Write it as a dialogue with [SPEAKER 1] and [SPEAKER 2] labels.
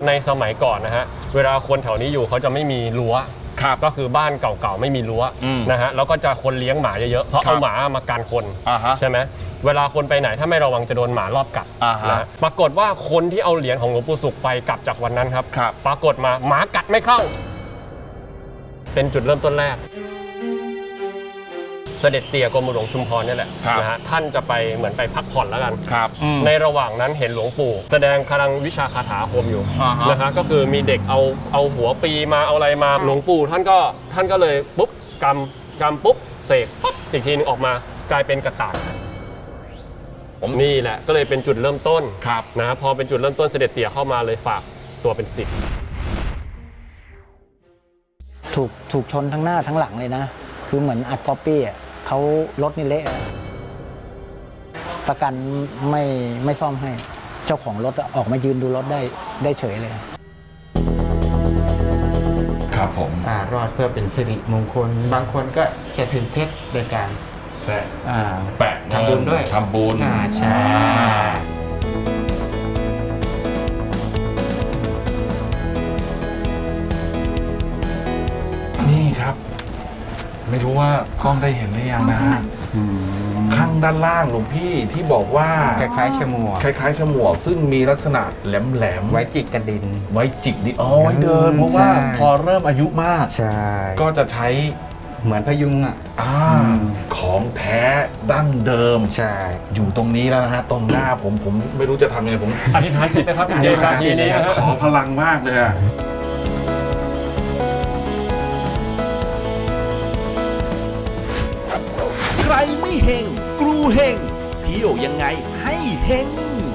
[SPEAKER 1] ในสมัยก่อนนะฮะเวลาคนแถวนี้อยู่เขาจะไม่มีรั้วก็คือบ้านเก่าๆไม่มีรั้วนะฮะแล้วก็จะคนเลี้ยงหมาเยอะๆเพราะเอาหมามากันคนใช่ไหมเวลาคนไปไหนถ้าไม่ระวังจะโดนหมารอบกัดนะปรากฏว่าคนที่เอาเหรียญของหลวงปู่ศุกร์ไปกลับจากวันนั้นครับปรากฏมาหมากัดไม่เข้าเป็นจุดเริ่มต้นแรกเสด็จเตี่ยกรมหลวงชุมพรนี่แหละนะฮะท่านจะไปเหมือนไปพักผ่อนแล้วกันในระหว่างนั้นเห็นหลวงปู่แสดงพลังวิชาคาถาอาคมอยู่นะฮะก็คือมีเด็กเอาหัวปีมาเอาอะไรมาหลวงปู่ท่านก็เลยปุ๊บกำปุ๊บเสกปุ๊บอีกทีนึงออกมากลายเป็นกระต่ายนี่แหละก็เลยเป็นจุดเริ่มต้นนะพอเป็นจุดเริ่มต้นเสด็จเตี่ยเข้ามาเลยฝากตัวเป็นศิษย์
[SPEAKER 2] ถูกชนทั้งหน้าทั้งหลังเลยนะคือเหมือนอัดก๊อปปี้อ่ะเขารถนี่เละประกันไม่ซ่อมให้เจ้าของรถออกมายืนดูรถได้เฉยเลย
[SPEAKER 3] ครับผม
[SPEAKER 4] รอดเพื่อเป็นสิริมงคลบางคนก็จะถึงเพชรโดยการ
[SPEAKER 3] แปะ
[SPEAKER 4] ทำบุญด้วย
[SPEAKER 3] ทำบุญ
[SPEAKER 4] ใช่
[SPEAKER 3] นี่ครับไม่รู้ว่ากล้องได้เห็นหรือยังนะฮะข้างด้านล่างหลวงพี่ที่บอกว่า
[SPEAKER 4] คล้ายๆฉมวก
[SPEAKER 3] ฉมวกซึ่งมีลักษณะแหลม
[SPEAKER 4] ไว้จิกกระดิน
[SPEAKER 3] ไว้จิกดินไว้เดินเพราะว่าพอเริ่มอายุมาก
[SPEAKER 4] ใช่
[SPEAKER 3] ก็จะใช้
[SPEAKER 4] เหมือนพยุง
[SPEAKER 3] ของแท้ดั้งเดิม
[SPEAKER 4] ใช่
[SPEAKER 3] อยู่ตรงนี้แล้วนะฮะตรงหน้าผมไม่รู้จะทำยังไงผม
[SPEAKER 1] อธิษฐานจิตนะครับเจตนาทีนี้
[SPEAKER 3] ขอพลังมากเลยอะ
[SPEAKER 5] ใครไม่เฮงกรูเฮงเที่ยวยังไงให้เฮง